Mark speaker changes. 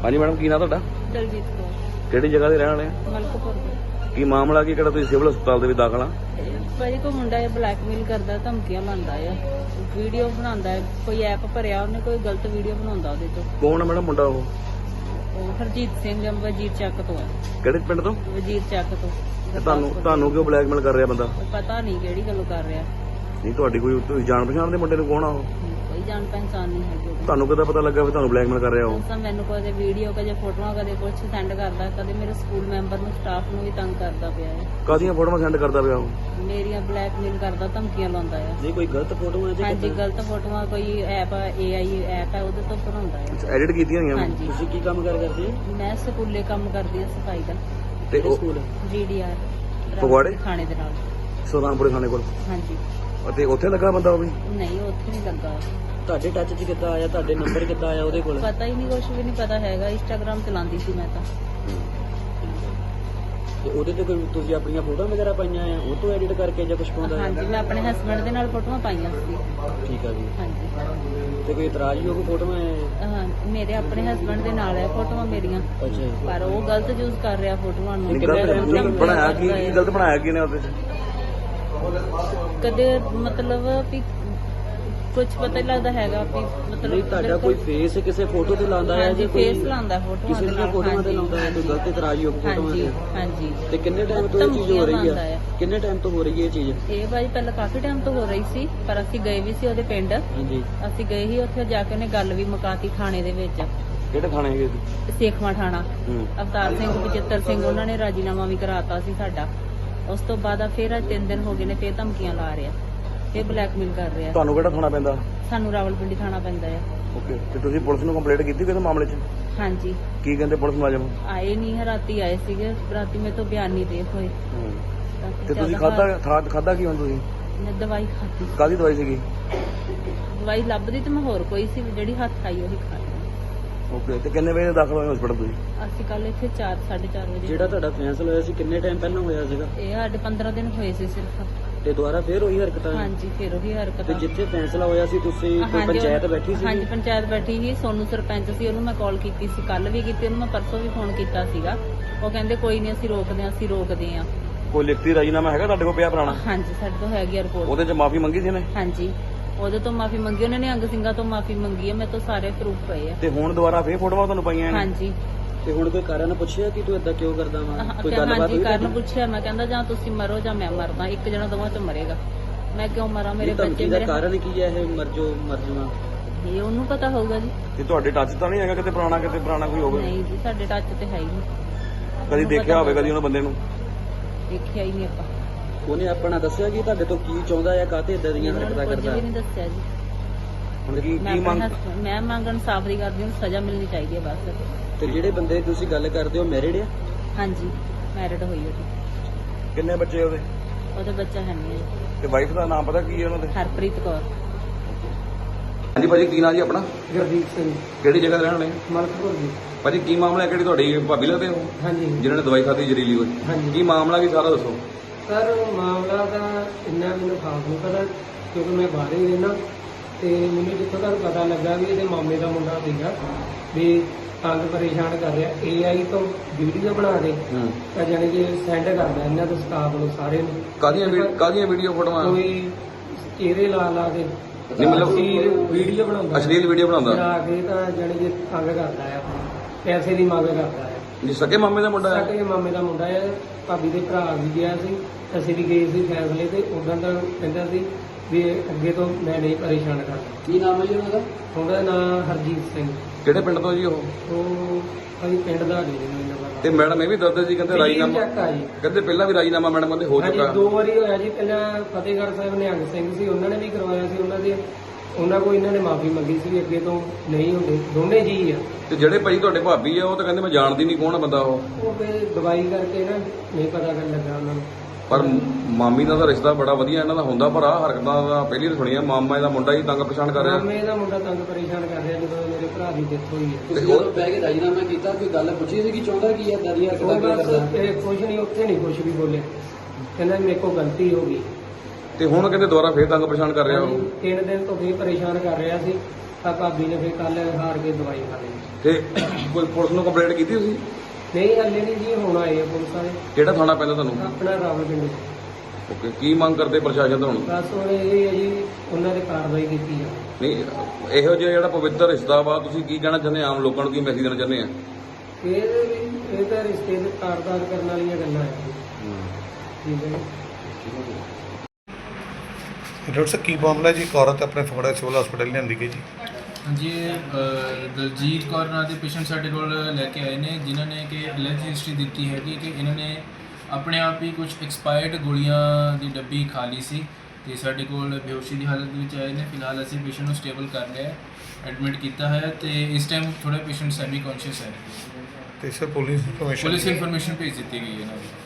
Speaker 1: ਹਾਂਜੀ ਮੈਡਮ, ਕੀ ਨਾਂ ਤੁਹਾਡਾ?
Speaker 2: ਦਲਜੀਤ ਕੌਰ,
Speaker 1: ਕਿਹੜੀ ਜਗ੍ਹਾ ਦੇ ਰਹਿਣ ਵਾਲੇ ਆ?
Speaker 2: ਮਲਕਪੁਰ ਦੇ।
Speaker 1: ਕੀ ਮਾਮਲਾ ਕੀ, ਕਿਹੜਾ ਤੁਸੀਂ ਸਿਵਲ ਹਸਪਤਾਲ ਦੇ ਵਿੱਚ ਦਾਖਲ ਆ?
Speaker 2: ਭਾਜੀ ਕੋਈ ਮੁੰਡਾ ਇਹ ਬਲੈਕਮੇਲ ਕਰਦਾ, ਧਮਕੀਆਂ ਲਾਉਂਦਾ ਆ, ਵੀਡੀਓ ਬਣਾਉਂਦਾ ਹੈ, ਕੋਈ ਐਪ ਭਰਿਆ ਉਹਨੇ, ਕੋਈ ਗਲਤ ਵੀਡੀਓ ਬਣਾਉਂਦਾ ਉਹਦੇ ਤੋਂ।
Speaker 1: ਕੌਣ ਆ ਮੈਡਮ ਮੁੰਡਾ ਉਹ?
Speaker 2: ਉਹ ਹਰਜੀਤ ਸਿੰਘ ਵਜੀਰ ਚੱਕ ਤੋਂ ਹੈ।
Speaker 1: ਕਿਹੜੇ ਪਿੰਡ ਤੋਂ?
Speaker 2: ਵਜੀਰ ਚੱਕ ਤੋਂ।
Speaker 1: ਤੇ ਤੁਹਾਨੂੰ ਕਿਉਂ ਬਲੈਕਮੇਲ ਕਰ ਰਿਹਾ ਬੰਦਾ?
Speaker 2: ਉਹ ਪਤਾ ਨਹੀਂ ਕਿਹੜੀ ਗੱਲੋਂ ਕਰ ਰਿਹਾ।
Speaker 1: ਨਹੀਂ ਤੁਹਾਡੀ ਕੋਈ ਤੁਸੀਂ ਜਾਣ ਪਛਾਣ ਦੇ ਮੁੰਡੇ ਨੂੰ ਕੌਣ ਆ ਉਹ?
Speaker 2: ਕੋਈ ਜਾਣ ਪਹਿਚਾਣ ਨਹੀਂ ਹੈਗੀ ਉਹਦੀ।
Speaker 1: ਤੁਹਾਨੂੰ ਕਿੱਦਾਂ ਪਤਾ ਲੱਗਾ ਵੀ ਤੁਹਾਨੂੰ ਬਲੈਕਮੇਲ ਕਰ ਰਿਹਾ ਉਹ?
Speaker 2: ਤਾਂ ਮੈਨੂੰ ਕਦੇ ਵੀਡੀਓ, ਕਦੇ ਫੋਟੋਆਂ, ਕਦੇ ਕੁਝ ਸੈਂਡ ਕਰਦਾ, ਕਦੇ ਮੇਰੇ ਸਕੂਲ ਮੈਂਬਰ ਨੂੰ, ਸਟਾਫ ਨੂੰ ਵੀ ਤੰਗ ਕਰਦਾ ਪਿਆ ਹੈ।
Speaker 1: ਕਾਹਦੀਆਂ ਫੋਟੋਆਂ ਸੈਂਡ ਕਰਦਾ ਪਿਆ ਉਹ?
Speaker 2: ਮੇਰੀਆਂ ਬਲੈਕਮੇਲ ਕਰਦਾ, ਧਮਕੀਆਂ ਲਾਉਂਦਾ ਆ।
Speaker 1: ਜੇ ਕੋਈ ਗਲਤ ਫੋਟੋਆਂ
Speaker 2: ਹਾਂਜੀ, ਗਲਤ ਫੋਟੋਆਂ, ਕੋਈ ਐਪ AI ਐਪ ਹੈ ਉਹਦੇ ਤੋਂ ਬਣਾਉਂਦਾ ਹੈ।
Speaker 1: ਐਡਿਟ ਕੀਤੀਆਂ ਹੋਈਆਂ?
Speaker 2: ਹਾਂਜੀ।
Speaker 1: ਤੁਸੀਂ ਕੀ ਕੰਮ ਕਰਦੇ?
Speaker 2: ਮੈਂ ਸਕੂਲੇ ਕੰਮ ਕਰਦੀ ਹਾਂ, ਸਫਾਈ ਦਾ।
Speaker 1: ਤੇ ਉਹ
Speaker 2: ਸਕੂਲ GDR
Speaker 1: ਫਗਵਾੜੇ
Speaker 2: ਥਾਣੇ ਦੇ ਨਾਲ।
Speaker 1: ਸੁਲਤਾਨਪੁਰ ਥਾਣੇ ਕੋਲ?
Speaker 2: ਹਾਂਜੀ।
Speaker 1: ਅਤੇ ਉੱਥੇ ਲੱਗਾ ਬੰਦਾ ਉਹ ਵੀ?
Speaker 2: ਨਹੀਂ, ਉੱਥੇ ਨਹੀਂ ਲੱਗਾ।
Speaker 1: ਤੁਹਾਡੇ ਟੱਚ 'ਚ ਕਿੱਦਾਂ ਆਇਆ? ਤੁਹਾਡੇ ਨੰਬਰ ਕਿੱਦਾਂ ਆਇਆ ਉਹਦੇ ਕੋਲ?
Speaker 2: ਪਤਾ ਹੀ ਨਹੀਂ, ਕੁਝ ਵੀ ਨਹੀਂ ਪਤਾ ਹੈਗਾ। ਇੰਸਟਾਗ੍ਰਾਮ ਚਲਾਉਂਦੀ ਸੀ ਮੈਂ ਤਾਂ।
Speaker 1: ਤੇ ਉਹਦੇ ਤੇ ਕੋਈ ਤੁਸੀਂ ਆਪਣੀਆਂ ਫੋਟੋਆਂ ਵਗੈਰਾ ਪਾਈਆਂ ਆ, ਉਹ ਤੋਂ ਐਡਿਟ ਕਰਕੇ ਜਾਂ ਕੁਝ ਪਾਉਂਦਾ?
Speaker 2: ਹਾਂਜੀ, ਮੈਂ ਆਪਣੇ ਹਸਬੰਡ ਦੇ ਨਾਲ ਫੋਟੋਆਂ ਪਾਈਆਂ ਸੀ।
Speaker 1: ਠੀਕ ਆ ਜੀ।
Speaker 2: ਹਾਂਜੀ।
Speaker 1: ਤੇ ਕੋਈ ਇਤਰਾਜ਼ਯੋਗ ਫੋਟੋਆਂ ਹੈ?
Speaker 2: ਹਾਂ, ਮੇਰੇ ਆਪਣੇ ਹਸਬੰਡ ਦੇ ਨਾਲ ਹੈ ਫੋਟੋਆਂ ਮੇਰੀਆਂ।
Speaker 1: ਅੱਛਾ।
Speaker 2: ਪਰ ਉਹ ਗਲਤ ਯੂਜ਼ ਕਰ ਰਿਹਾ ਫੋਟੋਆਂ ਨੂੰ।
Speaker 1: ਬਣਾਇਆ ਕੀ ਗਲਤ ਬਣਾਇਆ ਕੀ ਨੇ ਉਹਦੇ 'ਚ?
Speaker 2: ਕਦੇ ਮਤਲਬ ਵੀ ਕੁਝ ਪਤਾ ਨਹੀਂ ਲੱਗਦਾ ਹੈਗਾ ਵੀ ਮਤਲਬ
Speaker 1: ਤੁਹਾਡਾ ਕੋਈ ਫੇਸ ਕਿਸੇ ਫੋਟੋ ਤੇ ਲਾਉਂਦਾ ਹੈ ਜਾਂ
Speaker 2: ਫੇਸ ਲਾਉਂਦਾ ਫੋਟੋਆਂ
Speaker 1: ਕਿਸੇ ਦੀਆਂ ਫੋਟੋਆਂ ਤੇ ਲਾਉਂਦਾ ਹੈ? ਕੋਈ ਗਲਤ ਇਤਰਾਜ਼ਯੋਗ ਫੋਟੋਆਂ ਤੇ?
Speaker 2: ਹਾਂਜੀ।
Speaker 1: ਤੇ ਕਿੰਨੇ ਟਾਈਮ ਤੋਂ ਇਹ ਚੀਜ਼ ਹੋ ਰਹੀ ਹੈ? ਕਿੰਨੇ ਟਾਈਮ ਤੋਂ ਹੋ ਰਹੀ ਹੈ ਇਹ ਚੀਜ਼?
Speaker 2: ਇਹ ਭਾਈ ਪਹਿਲਾਂ ਕਾਫੀ ਟਾਈਮ ਤੋਂ ਹੋ ਰਹੀ ਸੀ, ਪਰ ਅਸੀਂ ਗਏ ਵੀ ਸੀ ਉਹਦੇ ਪਿੰਡ।
Speaker 1: ਹਾਂਜੀ।
Speaker 2: ਅਸੀਂ ਗਏ ਸੀ ਉੱਥੇ ਜਾ ਕੇ ਉਹਨੇ ਗੱਲ ਵੀ ਮੁਕਾਤੀ ਥਾਣੇ ਦੇ ਵਿੱਚ।
Speaker 1: ਕਿਹੜੇ ਥਾਣੇ ਹੈਗੇ?
Speaker 2: ਸੇਖਵਾਂ ਥਾਣਾ। ਅਵਤਾਰ ਸਿੰਘ, ਬਚਿੱਤਰ ਸਿੰਘ, ਉਹਨਾਂ ਨੇ ਰਾਜੀਨਾਮਾ ਵੀ ਕਰਾਤਾ ਸੀ ਸਾਡਾ। ਉਸ ਤੋਂ ਬਾਅਦ ਫਿਰ 3 ਦਿਨ ਹੋ ਗਏ ਨੇ, ਫਿਰ ਧਮਕੀਆਂ ਲਾ ਰਿਹਾ, ਫਿਰ ਬਲੈਕਮੇਲ ਕਰ ਰਿਹਾ।
Speaker 1: ਤੁਹਾਨੂੰ ਕਿਹੜਾ ਥਾਣਾ ਪੈਂਦਾ?
Speaker 2: ਸਾਨੂੰ ਰਾਵਲਪਿੰਡੀ ਥਾਣਾ ਪੈਂਦਾ ਹੈ।
Speaker 1: ਓਕੇ। ਤੇ ਤੁਸੀਂ ਪੁਲਿਸ ਨੂੰ ਕੰਪਲੇਂਟ ਕੀਤੀ ਕਿਸ ਮਾਮਲੇ 'ਚ?
Speaker 2: ਹਾਂਜੀ।
Speaker 1: ਕੀ ਕਹਿੰਦੇ ਪੁਲਿਸ ਮੁਲਾਜ਼ਮ?
Speaker 2: ਆਏ ਨਹੀਂ, ਰਾਤੀ ਆਏ ਸੀਗੇ, ਰਾਤੀ ਮੇਰੇ ਤੋਂ ਬਿਆਨ ਨਹੀਂ ਦੇ ਹੋਏ।
Speaker 1: ਤੇ ਤੁਸੀਂ ਖਾਦਾ ਕੀ ਹੁਣ ਤੁਸੀਂ?
Speaker 2: ਮੈਂ ਦਵਾਈ ਖਾਧੀ।
Speaker 1: ਕਾਹਦੀ ਦਵਾਈ ਸੀਗੀ?
Speaker 2: ਦਵਾਈ ਲੱਭਦੀ ਤੇ ਮੈਂ ਹੋਰ ਕੋਈ ਸੀ, ਜਿਹੜੀ ਹੱਥ ਆਈ ਉਹੀ ਖਾ ਲਈ।
Speaker 1: ਓਕੇ। ਤੇ ਕਿੰਨੇ ਵਜੇ ਦਾਖਲ ਹੋਏ ਹਸਪਤਾਲ ਤੁਸੀਂ?
Speaker 2: ਅਸੀਂ ਕੱਲ ਇੱਥੇ 4-4:30 ਵਜੇ।
Speaker 1: ਜਿਹੜਾ ਤੁਹਾਡਾ ਫੈਸਲਾ ਹੋਇਆ ਸੀ ਕਿੰਨੇ ਟਾਈਮ ਪਹਿਲਾਂ ਹੋਇਆ ਸੀਗਾ?
Speaker 2: ਇਹ ਸਾਡੇ 15 ਦਿਨ ਹੋਏ ਸੀ ਸਿਰਫ।
Speaker 1: ਤੇ ਦੁਬਾਰਾ ਫੇਰ ਉਹੀ ਹਰਕਤਾਂ?
Speaker 2: ਹਾਂਜੀ, ਫਿਰ ਉਹੀ ਹਰਕਤਾਂ।
Speaker 1: ਤੇ ਜਿੱਥੇ ਫੈਸਲਾ ਹੋਇਆ ਸੀ ਤੁਸੀਂ ਕੋਈ ਪੰਚਾਇਤ ਬੈਠੀ ਸੀ?
Speaker 2: ਹਾਂਜੀ, ਪੰਚਾਇਤ ਬੈਠੀ ਸੀ। ਸੋਨੂੰ ਸਰਪੰਚ ਸੀ, ਉਹਨੂੰ ਮੈਂ ਕਾਲ ਕੀਤੀ ਸੀ, ਕੱਲ ਵੀ ਕੀਤੀ, ਉਹਨੂੰ ਮੈਂ ਪਰਸੋਂ ਵੀ ਫੋਨ ਕੀਤਾ ਸੀਗਾ। ਉਹ ਕਹਿੰਦੇ ਕੋਈ ਨਹੀਂ, ਅਸੀਂ ਰੋਕਦੇ ਆ।
Speaker 1: ਕੋਈ ਲਿਖਤੀ ਰਾਜੀਨਾਮਾ ਹੈਗਾ ਤੁਹਾਡੇ ਕੋਲ ਪਿਆ ਪੁਰਾਣਾ?
Speaker 2: ਹਾਂਜੀ, ਸਾਡੇ ਤੋਂ ਹੈਗੀ ਰਿਪੋਰਟ।
Speaker 1: ਉਹਦੇ 'ਚ ਮਾਫੀ ਮੰਗੀ ਸੀ ਨੇ?
Speaker 2: ਹਾਂਜੀ, ਉਹਦੇ ਤੋਂ ਮਾਫੀ ਮੰਗੀ, ਉਹਨਾਂ ਨੇ ਅੰਗ ਸਿੰਘਾਂ ਤੋਂ ਮਾਫੀ ਮੰਗੀ ਹੈ, ਮੇਰੇ ਤੋਂ ਸਾਰੇ ਪ੍ਰੂਫ ਪਏ ਆ।
Speaker 1: ਤੇ ਹੁਣ ਦੁਬਾਰਾ ਫੇਰ ਫੋਟੋਆਂ ਤੁਹਾਨੂੰ ਪਾਈਆਂ ਨੇ?
Speaker 2: ਹਾਂਜੀ।
Speaker 1: ਤੇ ਹੁਣ ਕੋਈ ਕਾਰਨ ਪੁੱਛਿਆ ਕਿ ਤੂੰ ਏਦਾਂ ਕਿਉਂ ਕਰਦਾ ਵਾ? ਕੋਈ ਗੱਲਬਾਤ
Speaker 2: ਹਾਂਜੀ, ਕਾਰਨ ਪੁੱਛਿਆ। ਮੈਂ ਕਹਿੰਦਾ ਜਾਂ ਤੁਸੀਂ ਮਰੋ ਜਾਂ ਮੈਂ ਮਰਦਾ, ਇੱਕ ਜਣਾ ਦੋਵਾਂ ਚੋਂ ਮਰੇਗਾ। ਮੈਂ ਕਿਉਂ ਮਰਾਂ? ਮੇਰੇ ਬੱਚੇ
Speaker 1: ਦਾ ਕਾਰਨ ਕੀ ਹੈ? ਇਹ ਮਰ ਜਾਵਾਂ
Speaker 2: ਇਹ ਉਹਨੂੰ ਪਤਾ ਹੋਊਗਾ ਜੀ।
Speaker 1: ਤੇ ਤੁਹਾਡੇ ਟੱਚ ਤਾਂ ਨਹੀਂ ਹੈਗਾ ਕਿਤੇ ਪੁਰਾਣਾ ਕੋਈ ਹੋਵੇ?
Speaker 2: ਨਹੀਂ ਜੀ, ਸਾਡੇ ਟੱਚ ਤੇ ਹੈ ਹੀ ਨਹੀਂ।
Speaker 1: ਕਦੀ ਦੇਖਿਆ ਹੋਵੇ ਕਦੀ ਉਹਨਾਂ ਬੰਦੇ ਨੂੰ?
Speaker 2: ਦੇਖਿਆ ਹੀ ਨਹੀਂ ਆਪਾਂ।
Speaker 1: ਉਹਨੇ ਆਪਣਾ ਦੱਸਿਆ ਕਿ ਤੁਹਾਡੇ ਤੋਂ ਕੀ ਚਾਹੁੰਦਾ ਹੈ, ਕਾਹਤੇ ਇਦਾਂ ਦੀਆਂ ਹਰਕਤਾਂ ਕਰਦਾ?
Speaker 2: ਕੁਝ ਵੀ ਨਹੀਂ ਦੱਸਿਆ ਜੀ।
Speaker 1: ਹੁਣ ਕੀ
Speaker 2: ਮੈਂ ਮੰਗ ਇਨਸਾਫ ਦੀ ਕਰਦੀ ਹਾਂ, ਸਜ਼ਾ ਮਿਲਣੀ ਚਾਹੀਦੀ ਹੈ ਬਸ।
Speaker 1: ਤੇ ਜਿਹੜੇ ਬੰਦੇ ਤੁਸੀਂ ਗੱਲ ਕਰਦੇ ਹੋ ਮੈਰਿਡ ਆ?
Speaker 2: ਹਾਂਜੀ, ਮੈਰਿਡ ਹੋਈ ਉਹਦੀ।
Speaker 1: ਕਿੰਨੇ ਬੱਚੇ ਉਹਦੇ
Speaker 2: ਬੱਚਾ ਹੈ ਨਹੀਂ।
Speaker 1: ਤੇ ਵਾਈਫ ਦਾ ਨਾਮ ਪਤਾ ਕੀ ਹੈ ਉਹਨਾਂ ਦੇ?
Speaker 2: ਹਰਪ੍ਰੀਤ ਕੌਰ।
Speaker 1: ਹਾਂਜੀ ਭਾਜੀ, ਕੀ ਨਾਂ ਜੀ ਆਪਣਾ?
Speaker 3: ਗੁਰਦੀਪ ਸਿੰਘ।
Speaker 1: ਕਿਹੜੀ ਜਗ੍ਹਾ ਦੇ ਰਹਿਣ ਵਾਲੇ?
Speaker 3: ਮਲਕਪੁਰ ਜੀ।
Speaker 1: ਭਾਜੀ ਕੀ ਮਾਮਲਾ ਹੈ? ਕਿਹੜੀ ਤੁਹਾਡੀ ਭਾਬੀ ਲੱਗਦੇ ਹੋ?
Speaker 3: ਹਾਂਜੀ।
Speaker 1: ਜਿਨ੍ਹਾਂ ਨੇ ਦਵਾਈ ਖਾਧੀ ਜ਼ਹਿਰੀਲੀ ਹੋਈ?
Speaker 3: ਹਾਂਜੀ।
Speaker 1: ਕੀ ਮਾਮਲਾ ਕੀ ਸਾਰਾ ਦੱਸੋ।
Speaker 3: ਸਰ, ਮਾਮਲਾ ਤਾਂ ਇੰਨਾ ਮੈਨੂੰ ਖਾਸ ਨਹੀਂ ਪਤਾ, ਕਿਉਂਕਿ ਮੈਂ ਬਾਹਰ ਹੀ ਰਹਿਣਾ। ਤੇ ਮੈਨੂੰ ਜਿੱਥੋਂ ਤੱਕ ਪਤਾ ਲੱਗਾ ਵੀ ਇਹਦੇ ਮਾਮੇ ਦਾ ਮੁੰਡਾ ਸੀਗਾ, ਵੀ ਤੰਗ ਪਰੇਸ਼ਾਨ ਕਰ ਰਿਹਾ, AI ਤੋਂ ਵੀਡੀਓ ਬਣਾ ਕੇ ਤਾਂ ਜਾਣੀ ਕਿ ਸੈਂਡ ਕਰਦਾ ਇਹਨਾਂ ਦੇ ਸਟਾਫ ਨੂੰ, ਸਾਰੇ ਨੂੰ।
Speaker 1: ਕਾਹਦੀਆਂ ਵੀਡੀਓ ਫੋਟੋਆਂ?
Speaker 3: ਕੋਈ ਚਿਹਰੇ ਲਾ ਕੇ
Speaker 1: ਨਹੀਂ, ਮਤਲਬ
Speaker 3: ਵੀਡੀਓ ਬਣਾਉਂਦਾ,
Speaker 1: ਅਸ਼ਲੀਲ ਵੀਡੀਓ ਬਣਾਉਂਦਾ
Speaker 3: ਬਣਾ ਕੇ ਤਾਂ ਜਾਣੀ ਕਿ ਤੰਗ ਕਰਦਾ ਆ, ਪੈਸੇ ਦੀ ਮੰਗ ਕਰਦਾ ਹੈ।
Speaker 1: ਜੀ ਸਕੇ ਮਾਮੇ ਦਾ ਮੁੰਡਾ ਹੈ?
Speaker 3: ਸਕੇ ਮਾਮੇ ਦਾ ਮੁੰਡਾ ਹੈ। ਭਾਬੀ ਦੇ ਭਰਾ ਵੀ ਗਿਆ ਸੀ, ਅਸੀਂ ਵੀ ਗਏ ਸੀ ਫੈਸਲੇ ਤੇ। ਉਦੋਂ ਦਾ ਕਹਿੰਦਾ ਸੀ ਵੀ ਅੱਗੇ ਤੋਂ ਮੈਂ ਨਹੀਂ ਪਰੇਸ਼ਾਨ ਕਰਦਾ।
Speaker 1: ਕੀ ਨਾਮ ਹੈ ਜੀ ਉਹਨਾਂ ਦਾ?
Speaker 3: ਉਹਦਾ ਨਾਮ ਹਰਜੀਤ ਸਿੰਘ।
Speaker 1: ਕਿਹੜੇ ਪਿੰਡ ਤੋਂ ਜੀ ਉਹ?
Speaker 3: ਅਸੀਂ ਪਿੰਡ ਦਾ ਨਹੀਂ ਮੈਨੂੰ ਪਤਾ।
Speaker 1: ਤੇ ਮੈਡਮ ਇਹ ਵੀ ਦੱਸਦੇ ਜੀ ਕਹਿੰਦੇ ਰਾਜੀਨਾਮਾ,
Speaker 3: ਜੀ
Speaker 1: ਕਹਿੰਦੇ ਪਹਿਲਾਂ ਵੀ ਰਾਜੀਨਾਮਾ ਮੈਡਮ ਕਹਿੰਦੇ ਹੋ ਚੁੱਕਾ?
Speaker 3: 2 ਵਾਰੀ ਹੋਇਆ ਜੀ। ਪਹਿਲਾਂ ਫਤਿਹਗੜ੍ਹ ਸਾਹਿਬ ਨਿਹੰਗ ਸਿੰਘ ਸੀ, ਉਹਨਾਂ ਨੇ ਵੀ ਕਰਵਾਇਆ ਸੀ। ਉਹਨਾਂ ਕੋਲ ਇਹਨਾਂ ਨੇ ਮਾਫੀ ਮੰਗੀ ਸੀ ਵੀ ਅੱਗੇ ਤੋਂ ਨਹੀਂ ਹੁੰਦੇ, ਦੋਨੇ ਜੀ ਆ।
Speaker 1: ਤੇ ਜਿਹੜੇ ਭਾਈ ਤੁਹਾਡੇ ਭਾਬੀ ਆ ਉਹ ਤਾਂ ਕਹਿੰਦੇ ਮੈਂ ਜਾਣਦੀ ਨਹੀਂ ਕੌਣ ਬੰਦਾ ਉਹ
Speaker 3: ਫਿਰ ਦਵਾਈ ਕਰਕੇ ਨਾ ਨਹੀਂ ਪਤਾ ਕਰਨ ਲੱਗਾ ਉਹਨਾਂ ਨੂੰ।
Speaker 1: ਪਰ ਮਾਮੀ ਦਾ ਤਾਂ ਰਿਸ਼ਤਾ ਬੜਾ ਵਧੀਆ ਇਹਨਾਂ ਦਾ ਹੁੰਦਾ, ਪਰ ਆਹ ਹਰਕਤਾਂ ਦਾ ਪਹਿਲੀ ਤਾਂ ਸੁਣੀਆਂ। ਮਾਮਾ ਇਹਦਾ ਮੁੰਡਾ ਹੀ ਤੰਗ ਪਛਾਣ ਕਰ ਰਿਹਾ।
Speaker 3: ਮਾਮੇ ਦਾ ਮੁੰਡਾ ਤੰਗ ਪਰੇਸ਼ਾਨ ਕਰ ਰਿਹਾ ਜਦੋਂ ਮੇਰੇ ਭਰਾ ਦੀ ਡੈਥ ਹੋਈ ਹੈ।
Speaker 1: ਤੁਸੀਂ ਜਦੋਂ ਬਹਿ ਕੇ ਰਾਜੀਨਾਮਾ ਕੀਤਾ ਕੋਈ ਗੱਲ ਪੁੱਛੀ ਸੀ ਕਿ ਚਾਹੁੰਦਾ ਕੀ ਹੈ ਦਰੀਆ ਕਿਦਾਂ ਕਰਦਾ?
Speaker 3: ਕੁਝ ਨਹੀਂ, ਉੱਥੇ ਨਹੀਂ ਕੁਝ ਵੀ ਬੋਲਿਆ, ਕਹਿੰਦਾ ਮੇਰੇ ਕੋਲ ਗਲਤੀ ਹੋ ਗਈ।
Speaker 1: ਤੇ ਹੁਣ ਕਹਿੰਦੇ ਦੁਬਾਰਾ ਫੇਰ ਤੰਗ ਪਛਾਣ ਕਰ ਰਿਹਾ ਉਹ?
Speaker 3: 3 ਦਿਨ ਤੋਂ ਫੇਰ ਪਰੇਸ਼ਾਨ ਕਰ ਰਿਹਾ ਸੀ। ਤਾਂ ਭਾਬੀ ਨੇ ਫਿਰ ਕੱਲ ਹਾਰ ਕੇ ਦਵਾਈ ਖਾ ਲਈ।
Speaker 1: ਤੇ ਕੋਈ ਪੁਲਿਸ ਨੂੰ ਕੰਪਲੇਂਟ ਕੀਤੀ ਤੁਸੀਂ?
Speaker 3: ਨਹੀਂ ਹਲੇ ਨਹੀਂ ਜੀ, ਹੁਣ ਆਏ ਆ ਪੁਲਿਸ ਵਾਲੇ।
Speaker 1: ਕਿਹੜਾ ਥਾਣਾ ਪੈਂਦਾ ਤੁਹਾਨੂੰ?
Speaker 3: ਆਪਣਾ ਰਾਵਲਪਿੰਡੀ।
Speaker 1: ਓਕੇ, ਕੀ ਮੰਗ ਕਰਦੇ ਪ੍ਰਸ਼ਾਸਨ ਤੋਂ ਹੁਣ?
Speaker 3: ਬਸ ਹੁਣ ਇਹ ਹੈ ਜੀ, ਉਹਨਾਂ ਦੇ ਕਾਰਵਾਈ ਕੀਤੀ ਜਾਵੇ।
Speaker 1: ਨਹੀਂ, ਇਹੋ ਜਿਹਾ ਜਿਹੜਾ ਪਵਿੱਤਰ ਰਿਸ਼ਤਾ ਵਾ, ਤੁਸੀਂ ਕੀ ਕਹਿਣਾ ਚਾਹੁੰਦੇ ਆ? ਆਮ ਲੋਕਾਂ ਨੂੰ ਕੀ ਮੈਸੇਜ ਦੇਣਾ ਚਾਹੁੰਦੇ ਆ?
Speaker 3: ਇਹ ਤਾਂ ਰਿਸ਼ਤੇ ਦੇ ਤਾਰ-ਤਾਰ ਕਰਨ ਵਾਲੀਆਂ ਗੱਲਾਂ ਹੈ ਜੀ। ਠੀਕ ਹੈ ਜੀ।
Speaker 4: ਡਾਕਟਰ ਸਾਹਿਬ ਕੀ ਮਾਮਲਾ ਜੀ? ਇੱਕ ਔਰਤ ਆਪਣੇ ਫਗਵਾੜਾ ਸਿਵਲ ਹਸਪੀਟਲ ਲਿਆਂਦੀ ਗਈ ਜੀ।
Speaker 5: ਹਾਂਜੀ, ਦਲਜੀਤ ਕੌਰ ਨਾਂ ਦੇ ਪੇਸ਼ੈਂਟ ਸਾਡੇ ਕੋਲ ਲੈ ਕੇ ਆਏ ਨੇ, ਜਿਨ੍ਹਾਂ ਨੇ ਕਿ ਐਲਰਜੀ ਹਿਸਟਰੀ ਦਿੱਤੀ ਹੈਗੀ ਕਿ ਇਹਨਾਂ ਨੇ ਆਪਣੇ ਆਪ ਹੀ ਕੁਝ ਐਕਸਪਾਇਰਡ ਗੋਲੀਆਂ ਦੀ ਡੱਬੀ ਖਾ ਲਈ ਸੀ ਤੇ ਸਾਡੇ ਕੋਲ ਬੇਹੋਸ਼ੀ ਦੀ ਹਾਲਤ ਵਿੱਚ ਆਏ ਨੇ। ਫਿਲਹਾਲ ਅਸੀਂ ਪੇਸ਼ੈਂਟ ਨੂੰ ਸਟੇਬਲ ਕਰ ਲਿਆ, ਐਡਮਿਟ ਕੀਤਾ ਹੈ ਤੇ ਇਸ ਟਾਈਮ ਥੋੜਾ ਪੇਸ਼ੈਂਟ ਸੈਮੀ ਕੌਨਸ਼ੀਅਸ ਹੈ
Speaker 4: ਤੇ sir police information
Speaker 5: police information ਭੇਜ ਦਿੱਤੀ ਗਈ ਹੈ ਇਹਨਾਂ ਦੀ।